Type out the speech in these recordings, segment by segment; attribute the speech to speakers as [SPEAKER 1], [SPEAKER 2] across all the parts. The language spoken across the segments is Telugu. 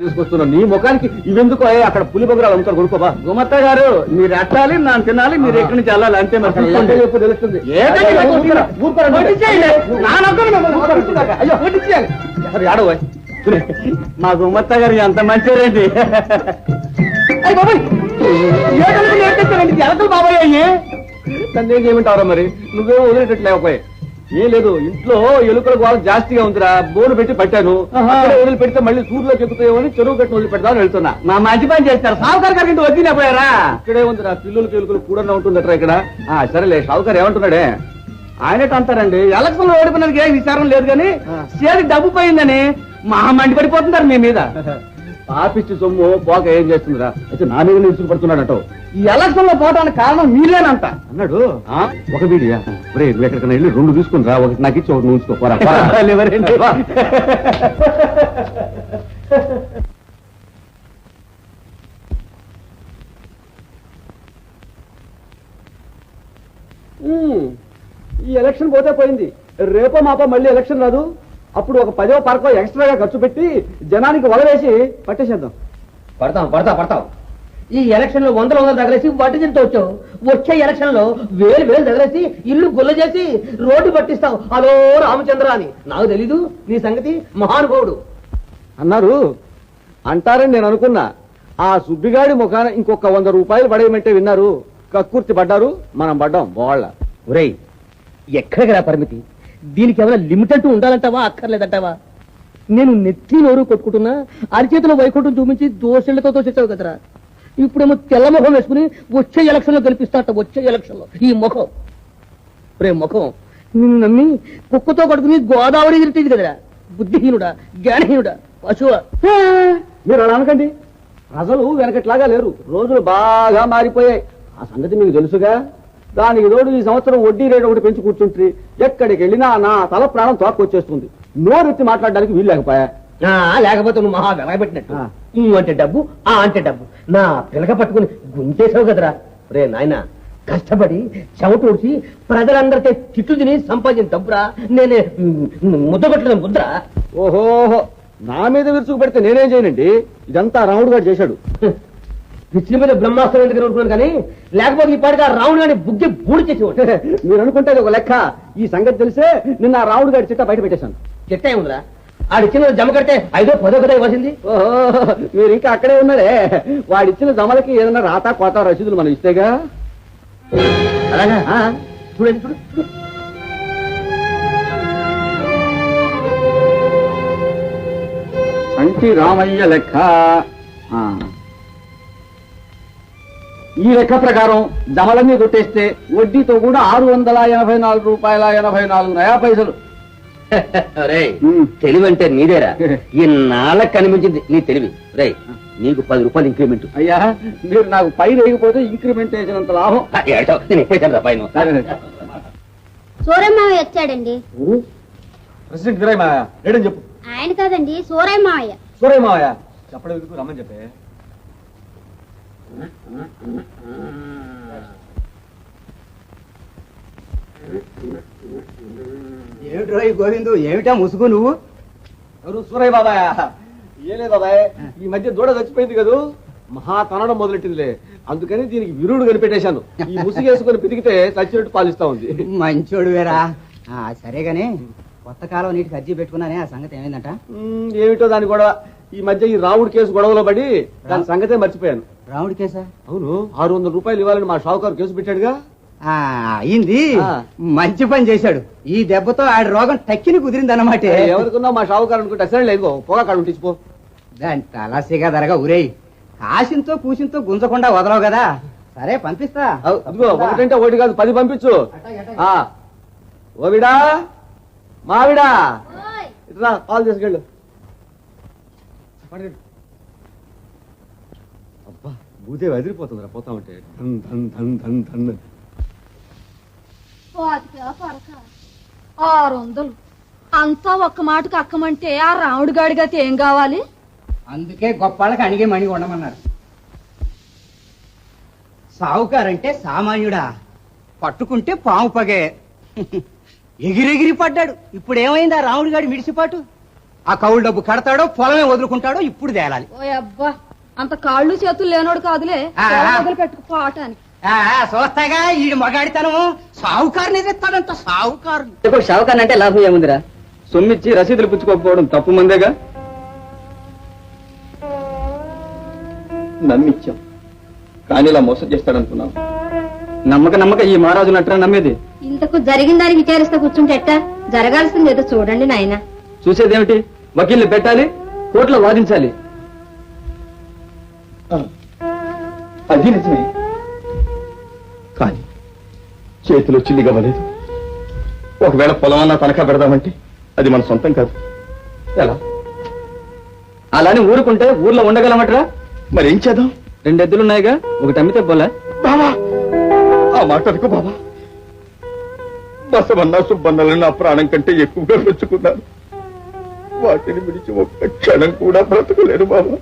[SPEAKER 1] తీసుకొస్తున్నా నీ ముఖానికి ఇవెందుకు అక్కడ పులి బొగరాలు అమ్ముతారు కొనుక్కోబా. గుమత్త గారు మీరు అట్టాలి నాన్న తినాలి, మీరు ఎక్కడి నుంచి వెళ్ళాలి అంతే. మరి చెప్పు తెలుస్తుంది. ఆడవ మా గుమత్త గారు ఎంత మంచిదండి. ఎలకలు బాబాయ్ అయ్యి నన్ను ఏం చేయమంటారా మరి? నువ్వే వదిలేటట్లేకపోయి. ఏం లేదు, ఇంట్లో ఎలుకల గోళ జాస్తిగా ఉందిరా, బోను పెట్టి పట్టాను. వదిలి పెడితే మళ్ళీ సూర్యులోకి ఎక్కుతాయో అని చెరువు కట్టిన వదిలి పెడతాను వెళ్తున్నా. మా మంచి పని చేస్తారు. సావుకారు గారికి ఇంటి వచ్చినా పోయారా? ఇక్కడే ఉందిరా, పిల్లలకి ఎలుకలు కూడా ఉంటుందట్రా ఇక్కడ. సరేలే, సావుకారు ఏమంటున్నాడే? ఆయనట్టు అంటారండి, ఎలక్షన్ లో ఓడిపోయినందుకు ఏ విచారం లేదు కానీ చేతికి డబ్బు పోయిందని మహా మండి పడిపోతున్నారు మీ మీద. పాపిచ్చి సొమ్ము పోక ఏం చేస్తుందిరా? అయితే నా మీద నిలుచుకు పడుతున్నాడట. ఈ ఎలక్షన్ లో పోవడానికి కారణం మీరేనంట అన్నాడు. ఒక వీడియా నువ్వు ఎక్కడికైనా వెళ్ళి 2 తీసుకుని రా, ఒకటి నాకు ఇచ్చి ఒకటి నువ్వు ఉంచుకోపోరా. ఈ ఎలక్షన్ పోతే పోయింది, రేపో మాపో మళ్ళీ ఎలక్షన్ రాదు. అప్పుడు ఒక 10వ పార్కో ఎక్స్ట్రాగా ఖర్చు పెట్టి జనానికి వలవేసి పట్టేసేద్దాం.
[SPEAKER 2] పడతాం. ఈ ఎలక్షన్ లో 100 తగలేసి వడ్డీ తింటూ వచ్చావు. వచ్చే ఎలక్షన్ లో 1000 తగలేసి ఇల్లు గుల్ల చేసి రోడ్డు పట్టిస్తావు. హలో రామచంద్ర అని. నాకు తెలీదు నీ సంగతి. మహానుభావుడు
[SPEAKER 1] అన్నారు అంటారని నేను అనుకున్నా. ఆ సుబ్బిగాడి ముఖాన ఇంకొక 100 రూపాయలు పడేయమంటే విన్నారు, కక్కుర్తి పడ్డారు, మనం పడ్డాం బోళ్ళ.
[SPEAKER 2] ఒరేయ్, ఎక్కడికి రా పరిమితి? దీనికి ఏమైనా లిమిట్ అంటూ ఉండాలంటావా అక్కర్లేదంటావా? నేను నెత్తి నోరు కొట్టుకుంటున్నా, అరిచేతిలో వైకుంఠం చూపించి దోషులతో తోసేసావు కదరా. ఇప్పుడేమో తెల్ల ముఖం వేసుకుని వచ్చే ఎలక్షన్ లో గెలిపిస్తాట. వచ్చే ఎలక్షన్ లో ఈ ముఖం, ముఖం నిన్ను నమ్మి కుక్కతో కొడుకుని గోదావరి ఎదురుతుంది కదరా. బుద్ధిహీనుడా, జ్ఞానహీనుడా, పశువ.
[SPEAKER 1] మీరు అలా అనకండి, ప్రజలు వెనకట్లాగా లేరు, రోజులు బాగా మారిపోయాయి. ఆ సంగతి మీకు తెలుసుగా. దానికి తోడు ఈ సంవత్సరం వడ్డీ రేటు ఒకటి పెంచి కూర్చుంటే ఎక్కడికి వెళ్ళినా నా తల ప్రాణం తోక్కొచ్చేస్తుంది. నోరెత్తి మాట్లాడడానికి వీలు లేకపోయా.
[SPEAKER 2] లేకపోతే నువ్వు మహా వెలగబెట్టినట్టు. నువ్వు అంటే డబ్బు, ఆ అంటే డబ్బు. నా పిలక పట్టుకుని గుంటేసావు కదరా. రే నాయన, కష్టపడి చెమట ఊడ్చి ప్రజలందరితో తిట్టు తిని సంపాదించిన డబ్బురా. నేనే ముద్ద కొట్టిన ముద్ర.
[SPEAKER 1] ఓహోహో, నా మీద విరుచుకు పెడితే నేనేం చేయనండి. ఇదంతా రాముడు గారు చేశాడు.
[SPEAKER 2] పిచ్చి మీద బ్రహ్మాస్త్రం ఎందుకు అనుకున్నాను కానీ, లేకపోతే ఈ పాటిగా రావుడు గారిని బుగ్గి బూడి చేసేవాడు.
[SPEAKER 1] మీరు అనుకుంటే ఒక లెక్క. ఈ సంగతి తెలిసే నిన్న రావుడు గారి చిట్ట బయట పెట్టేశాను.
[SPEAKER 2] చిట్ట ఏముందిరా? ఆడిచ్చిన జమ కడితే 5ో 10ో కదా ఇవ్వాల్సింది.
[SPEAKER 1] ఓహో, మీరు ఇంకా అక్కడే ఉన్నారే. వాడిచ్చిన జమలకి ఏదైనా రాతా కోత రసీదులు మనం ఇస్తేగా.
[SPEAKER 2] అలాగా చూడండి, చూడు.
[SPEAKER 1] సంటి రామయ్య లెక్క. ఈ లెక్క ప్రకారం జమలన్నీ కొట్టేస్తే వడ్డీతో కూడా 684 రూపాయల 84 పైసలు.
[SPEAKER 2] తెలివి అంటే నీదేరా. ఈ నాళ్ళకి కనిపించింది నీ తెలివి. రే, నీకు 10 రూపాయలు ఇంక్రిమెంట్.
[SPEAKER 1] అయ్యా, మీరు నాకు పైన వేయకపోతే ఇంక్రిమెంట్ వేసినంత లాభం.
[SPEAKER 2] నేను ఎప్పుడైనా పైన
[SPEAKER 3] సూరయ్య వచ్చాడండి.
[SPEAKER 1] ప్రెసిడెంట్ వీరయ్య మావయ్య లేడని చెప్పు.
[SPEAKER 3] ఆయన కాదండి, సూరయ్య మావయ్య.
[SPEAKER 1] సూరయ్య మావయ్య చెప్పడం ఎందుకు, రమ్మని చెప్పే.
[SPEAKER 4] ఏమిట్రో గోవిందు, ఏమిటా ముసుగు నువ్వు?
[SPEAKER 1] ఎవరు? సూరయ్య బాబాయ్. ఏ లేదు బాబాయ్, ఈ మధ్య దూడ చచ్చిపోయింది కదూ, మహా తనడం మొదలెట్టిందిలే. అందుకని దీనికి విరుడు కనిపెట్టేశాను. ఈ ముసుగేసుకుని పితికితే చచ్చినట్టు పాలిస్తా ఉంది.
[SPEAKER 4] మంచోడు వేరా. సరేగానే, కొత్త కాలం నీటికి అర్జీ పెట్టుకున్నానే, ఆ సంగతి ఏమైందంట?
[SPEAKER 1] ఏమిటో దాని గొడవ. ఈ మధ్య ఈ రావుడి కేసు గొడవలో పడి దాని సంగతే మర్చిపోయాను.
[SPEAKER 4] రాముడి కేసా?
[SPEAKER 1] అవును, 600 రూపాయలు ఇవ్వాలని మా షావుకారు కేసు పెట్టాడుగా.
[SPEAKER 4] అయింది, మంచి పని చేశాడు. ఈ దెబ్బతో ఆడి రోగం టక్కిని కుదిరింది అన్నమాట.
[SPEAKER 1] ఎవరికున్నా మా షావుకారు అనుకుంటే అసలు లేదు, పోగా కాడు ఉంటిపో.
[SPEAKER 4] దాని తలాసిగా ధరగా ఊరేయి. కాసింతో కూసింతో గుంజకుండా వదలవు కదా. సరే పంపిస్తా.
[SPEAKER 1] అదిగో, ఒకటంటే ఒకటి కాదు, 10 పంపించు. ఓవిడా, మావిడా, ఇట్లా పాలు తీసుకెళ్ళు. అబ్బా, భూదే వదిలిపోతుందిరా పోతా ఉంటే. ధన్ ధన్ ధన్ ధన్ ధన్.
[SPEAKER 5] 600 అంతా ఒక్క మాటకు అక్కమంటే ఆ రాముడి గాడిగైతే ఏం కావాలి?
[SPEAKER 4] అందుకే గొప్పళ్ళకి అణిగే మణి ఉండమన్నారు. సావుకారంటే సామాన్యుడా, పట్టుకుంటే పాము పగే. ఎగిరెగిరి పడ్డాడు. ఇప్పుడు ఏమైంది ఆ రాముడి గాడి మిడిసిపాటు? ఆ కౌలు డబ్బు కడతాడో పొలమే వదులుకుంటాడో ఇప్పుడు తేలాలి.
[SPEAKER 5] ఓ అబ్బా అంత కాళ్ళు చేతులు లేనోడు కాదులే మొదలు పెట్టుకుపోవటానికి.
[SPEAKER 4] చూస్తాగా ఈ మగాడితనం సావుకారుని ఎదుస్తాడంట సావుకారు.
[SPEAKER 2] షావుకాన్ అంటే లాభం ఏముందిరా?
[SPEAKER 1] సొమ్మిచ్చి రసీదులు పుచ్చుకోకపోవడం తప్పు మందేగా. నమ్మిచ్చాం కానీ ఇలా మోసం చేస్తాడనుకున్నాం. నమ్మక ఈ మహారాజు నట్రా నమ్మేది.
[SPEAKER 3] ఇంతకు జరిగిందని విచారిస్తా కూర్చుంటే ఎట్టా? జరగాల్సింది ఏదో చూడండి నాయన.
[SPEAKER 1] చూసేదేమిటి? వకీల్ని పెట్టాలి, కోర్టులో వాదించాలి. అది నిజమే, కానీ చేతిలో చిల్లిగవ్వలేదు. ఒకవేళ పొలమన్నా తనఖా పెడదామంటే అది మన సొంతం కాదు. ఎలా? అలానే ఊరుకుంటే ఊర్లో ఉండగలమట్రా? మరి ఏం చేద్దాం? 2 ఎద్దులున్నాయిగా, ఒకటి అమ్మితే పోలే. బాబా ఆ మాట అనుకో బాబా. బసవన్న సుబ్బన్నలను నా ప్రాణం కంటే ఎక్కువగా మెచ్చుకున్నాను. వాటిని విడిచి ఒక్క క్షణం కూడా బ్రతకలేరు బాబా.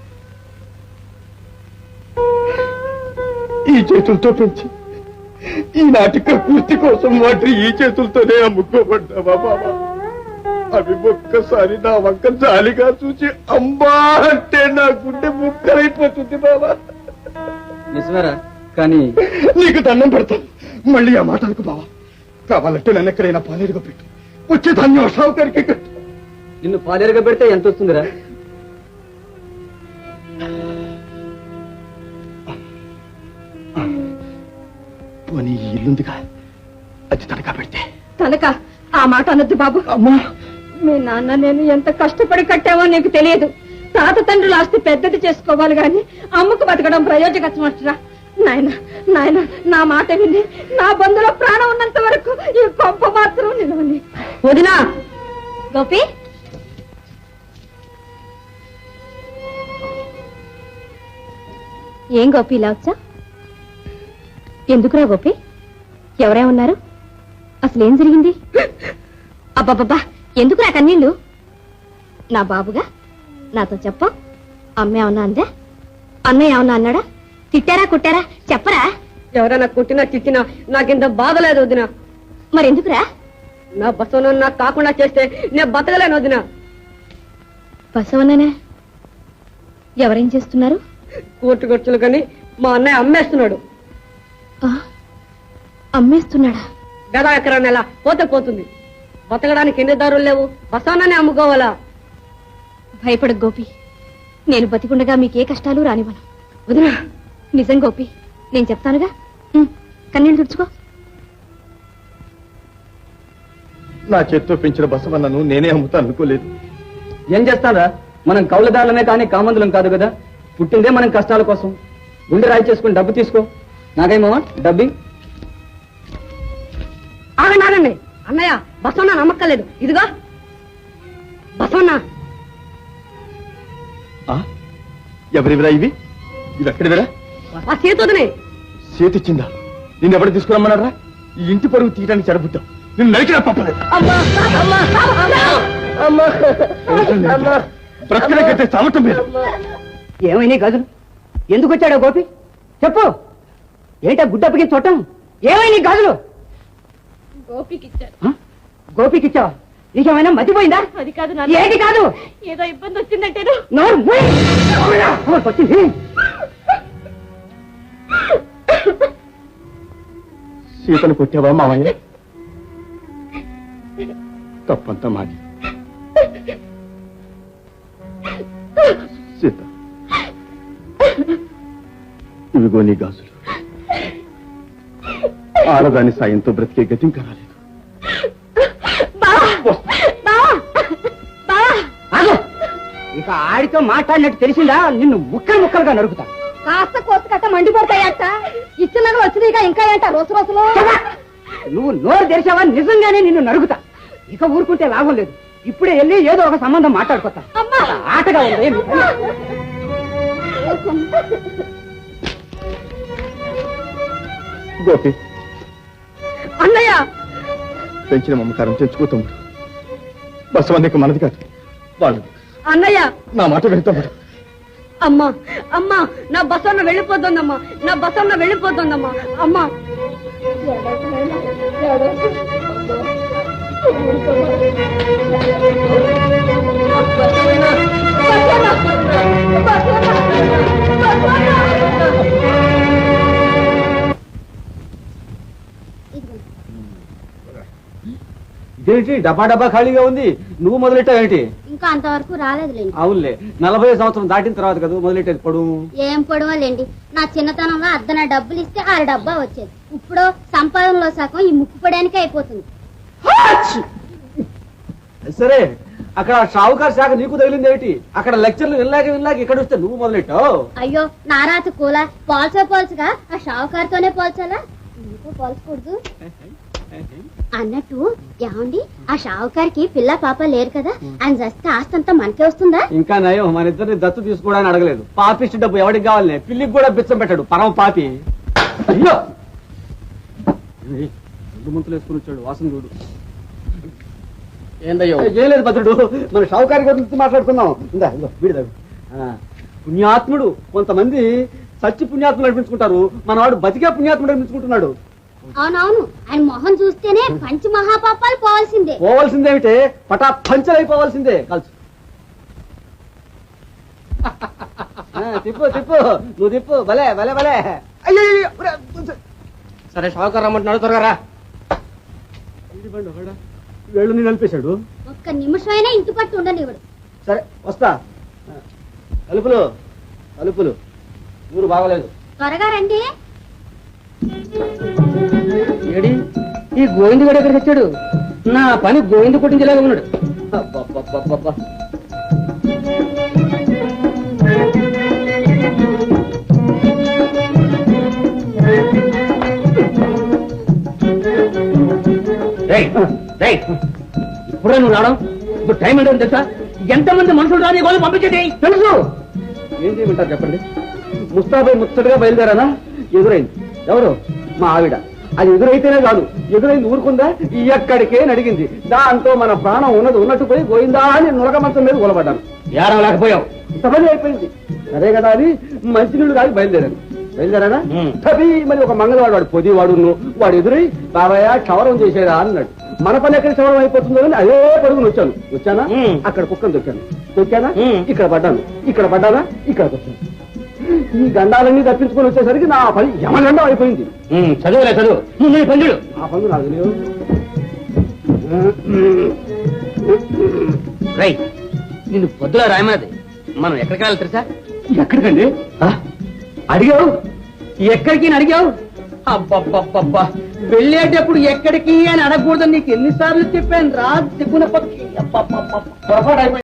[SPEAKER 1] ఈ చేతులతో పెంచి ఈనాటి కృతి కోసం వాటిని ఈ చేతులతోనే అమ్ముకోబడ్డావా బాబా? అవి ఒక్కసారి నా వంక జాలిగా చూసి అమ్మా అంటే నా గుండె ముక్కలైపోతుంది బాబా. నిజమేరా? కానీ నీకు దండం పెడతాను, మళ్ళీ ఆ మాట అనుకు బాబా. కావాలంటే నన్ను ఎక్కడైనా పాలేరుగా పెట్టు, వచ్చే ధాన్యం షావుకారికి కట్టు. నిన్ను పాలేరుగా పెడితే ఎంత వస్తుందిరా? పోనీ ఈ ఇల్లుందిగా, అది తనఖా పెడితే.
[SPEAKER 5] తనక ఆ మాట అనొద్దు బాబు.
[SPEAKER 1] అమ్మా,
[SPEAKER 5] మీ నాన్న నేను ఎంత కష్టపడి కట్టావో నీకు తెలియదు. తాత తండ్రుల ఆస్తి పెద్దది చేసుకోవాలి గాని అమ్మకు బతకడం ప్రయోజకమరా? నాయన నాయన నా మాట విని నా బంధులో ప్రాణం ఉన్నంత వరకు ఈ కొంప మాత్రం నిలవని. వదినా గోపి,
[SPEAKER 3] ఏం గోపి ఇలా వచ్చా? ఎందుకురా గోపి? ఎవరేమన్నారు? అసలేం జరిగింది? అబ్బాబ్బా ఎందుకురా కన్నీళ్ళు? నా బాబుగా నాతో చెప్ప. అమ్మ ఏమన్నా అందా? అన్నయ్య ఏమన్నా అన్నాడా? తిట్టారా కుట్టారా? చెప్పరా?
[SPEAKER 5] ఎవరైనా కొట్టినా తిట్టినా నాకింత బాధలేదు వదినా.
[SPEAKER 3] మరెందుకురా?
[SPEAKER 5] నా బసవన నాకు కాకుండా చేస్తే నేను బతకలేను వదినా.
[SPEAKER 3] బసవన్ననే ఎవరేం చేస్తున్నారు?
[SPEAKER 5] కోర్టు ఖర్చులు కానీ మా అన్నయ్య అమ్మేస్తున్నాడు.
[SPEAKER 3] అమ్మేస్తున్నాడా?
[SPEAKER 5] గదా ఎకరా నెల పోతే పోతుంది. బతకడానికి ఎన్ని దారులు లేవు, బసవన్ననే అమ్ముకోవాలా?
[SPEAKER 3] భయపడ గోపి, నేను బతికుండగా మీకే కష్టాలు రానివ్వను.
[SPEAKER 5] వదినా
[SPEAKER 3] నిజం గోపి, నేను చెప్తానుగా. కన్నీళ్ళు తుడుచుకో.
[SPEAKER 1] నా చేత్తో పెంచిన బసవన్నను నేనే అమ్ముతా అనుకోలేదు. ఏం చేస్తారా? మనం కౌలుదారులమే కానీ కామందులం కాదు కదా. పుట్టిందే మనం కష్టాల కోసం. గుండె రాయి చేసుకుని డబ్బు తీసుకో. నాకేమో డబ్బి.
[SPEAKER 5] ఆగండి అన్నయ్య, బసవన్న నమ్మక్కలేదు. ఇదిగో బసవన్న.
[SPEAKER 1] ఎవరివిరా ఇవి? ఇవి ఎక్కడివిరా?
[SPEAKER 5] ఆ చేతోనే.
[SPEAKER 1] చేతిచ్చిందా? నిన్ను ఎవరు తీసుకురమ్మన్నారా? ఈ ఇంటి పరుగు తీయడానికి చెడబుద్దాం. నిన్ను నరికినా పప్పలేదు. బ్రతకలేకైతే చావటం లేదు.
[SPEAKER 4] ఏమైనా గదులు ఎందుకు వచ్చాడో గోపి చెప్పు. ఏంటా గుడ్డప్పకి చూడటం? ఏమైనా గదులు? గోపికిచ్చావా? నీకేమైనా మతిపోయిందా?
[SPEAKER 5] అది కాదు
[SPEAKER 4] ఏది కాదు,
[SPEAKER 5] ఏదో ఇబ్బంది వచ్చిందంటే
[SPEAKER 4] వచ్చింది.
[SPEAKER 1] సీతను కొట్టావా మామయ్య? తప్పంతా మాది. సీత, ఇవిగో నీ గాజులు. ఆడదాని సాయంతో బ్రతికే గతి ఇంకా రాలేదు.
[SPEAKER 4] ఇక ఆడితో మాట్లాడినట్టు తెలిసిందా? నిన్ను ముక్కలు ముక్కలుగా నరుకుతా.
[SPEAKER 5] కాస్త కోత కట్ట మండిపోతాయట. ఇచ్చిన వచ్చిందిగా ఇంకా ఏంట రోజు రోజులు.
[SPEAKER 4] నువ్వు నోరు తెరిచావా నిజంగానే నిన్ను నరుకుతా. ఇక ఊరుకుంటే లాభం లేదు. ఇప్పుడే వెళ్ళి ఏదో ఒక సంబంధం మాట్లాడుకోతా. ఆటగా ఉంది.
[SPEAKER 1] గోపి,
[SPEAKER 5] అన్నయ్య
[SPEAKER 1] పెంచిన మమకారం తెచ్చుకోతాం. బసవన్నకి మనది కాదు, వాళ్ళు.
[SPEAKER 5] అన్నయ్య
[SPEAKER 1] నా మాట వెళ్తాం.
[SPEAKER 5] అమ్మా అమ్మా, నా బసవన్న వెళ్ళిపోతుందమ్మా, నా బసవన్న వెళ్ళిపోతుందమ్మా. అమ్మా
[SPEAKER 1] ఇదేంటి డబ్బా డబ్బా ఖాళీగా ఉంది, నువ్వు మొదలెట్టావేంటి?
[SPEAKER 3] ఇంకా అంతవరకు రాలేదులేండి.
[SPEAKER 1] అవునులే, 40 సంవత్సరం దాటిన తర్వాత కదా మొదలెట్టేది. పడు
[SPEAKER 3] ఏం పొడవలేండి, నా చిన్నతనంలో అద్దన డబ్బులు ఇస్తే 6 డబ్బా వచ్చేది. ఇప్పుడు సంపాదనలో సగం ఈ ముక్కు పడానికి అయిపోతుంది.
[SPEAKER 1] సరే, అక్కడ షావుకారు శాఖ నీకు తగిలింది ఏమిటి? అక్కడ లెక్చర్లు వినలాగే ఇక్కడ వస్తే నువ్వు మొదలెట్టావు.
[SPEAKER 3] అయ్యో నారాత కూల పోల్చగా ఆ షావుకారుతోనే పోల్చాలా? నీతో పోల్చకూడదు అన్నట్టు. ఏమండి, ఆ షావుకారికి పిల్ల పాప లేరు కదా, ఆయన చస్తే ఆస్తంతా మనకే వస్తుందా?
[SPEAKER 1] ఇంకా నయం, మన ఇద్దరిని దత్తు తీసుకోవడానికి అడగలేదు. పాపిష్టి డబ్బు ఎవరికి కావాలనే, పిల్లికి కూడా బిచ్చం పెట్టాడు పరమ పాపి. అయ్యో రెండు ముంతలు వేసుకుని వచ్చాడు, వాసన చూడు.
[SPEAKER 2] ఏందయ్యో?
[SPEAKER 1] ఏం లేదు భద్రుడు, మన షావుకారి గురించి మాట్లాడుకున్నాం. ఇందా ఇదో వీడి పుణ్యాత్ముడు. కొంతమంది సచ్చి పుణ్యాత్ములు అనిపించుకుంటారు, మనవాడు బతికే పుణ్యాత్ముడు అనిపించుకుంటున్నాడు.
[SPEAKER 3] అవునవును, ఆయన మొహం చూస్తేనే పంచ మహాపాపాలు పోవాల్సిందే.
[SPEAKER 1] పోవాల్సిందేమిటే, పటా పంచలైపోవాల్సిందే. కాల్చు తిప్పు నువ్వు తిప్పు. భలే భలే భలే. అయ్యో
[SPEAKER 2] సరే షావుకారు రమ్మంటున్నాడు, త్వరగా రా.
[SPEAKER 1] వేళ్ళని నలిపేశాడు.
[SPEAKER 3] ఒక్క నిమిషమైనా ఇంటి పట్టు ఉండనివ్వడు.
[SPEAKER 1] సరే వస్తా. తలుపులు ఊరు బాగలేదు.
[SPEAKER 3] త్వరగా రండి.
[SPEAKER 2] ఏడి ఈ గోవింద కూడా ఎక్కడికి వచ్చాడు? నా పని గోవింద కొట్టించేలాగా ఉన్నాడు.
[SPEAKER 1] అబ్బబ్బబ్బబ్బబ్బా.
[SPEAKER 2] ఇప్పుడే నువ్వు రావడం? ఇప్పుడు టైం ఏంటో తెలుసా? ఎంతమంది మనుషులు రాని వాళ్ళు పంపించేది తెలుసు.
[SPEAKER 1] ఏం చేయమంటారు చెప్పండి? ముస్తాబై ముచ్చటగా బయలుదేరానా, ఎదురైంది. ఎవరు? మా ఆవిడ. అది ఎదురైతేనే కాదు, ఎదురైంది ఊరుకుందా, ఎక్కడికే నడిగింది. దాంతో మన ప్రాణం ఉన్నట్టు పోయి గోయిందా అని నులక మంచం మీద కూలబడ్డాను.
[SPEAKER 2] ఏడవ లేకపోయావు,
[SPEAKER 1] ఇంతమంది అయిపోయింది. సరే కదా అని మంచినీళ్ళు కాదు బయలుదేరానా. మరి ఒక మంగళవాడు, వాడు పొదివాడు, వాడు ఎదురై బాబాయ్ క్షవరం చేసేదా అన్నాడు. మన పని ఎక్కడ క్షవరం అయిపోతుందో అని అదే పరుగును వచ్చానా, అక్కడ కుక్కను తొక్కానా, ఇక్కడ పడ్డానా, ఇక్కడ వచ్చాను. ఈ గండాలన్నీ తప్పించుకొని వచ్చేసరికి నా పని యమగండం అయిపోయింది.
[SPEAKER 2] చదువు నువ్వు పండుడు.
[SPEAKER 1] ఆ పనులు నాకు తెలియదు.
[SPEAKER 2] రై, నిన్ను పొద్దులా రాయమన్నది. మనం ఎక్కడికి వెళ్ళాలి తెలుసా?
[SPEAKER 1] ఎక్కడికండి?
[SPEAKER 2] అడిగావు? ఎక్కడికి అడిగావు? అబ్బబ్బబ్బబ్బా, వెళ్ళేటప్పుడు ఎక్కడికి అని అడగకూడదని నీకు ఎన్నిసార్లు చెప్పాను రా. తిప్పున పక్షి.
[SPEAKER 1] పొరపాటు అయిపోయింది.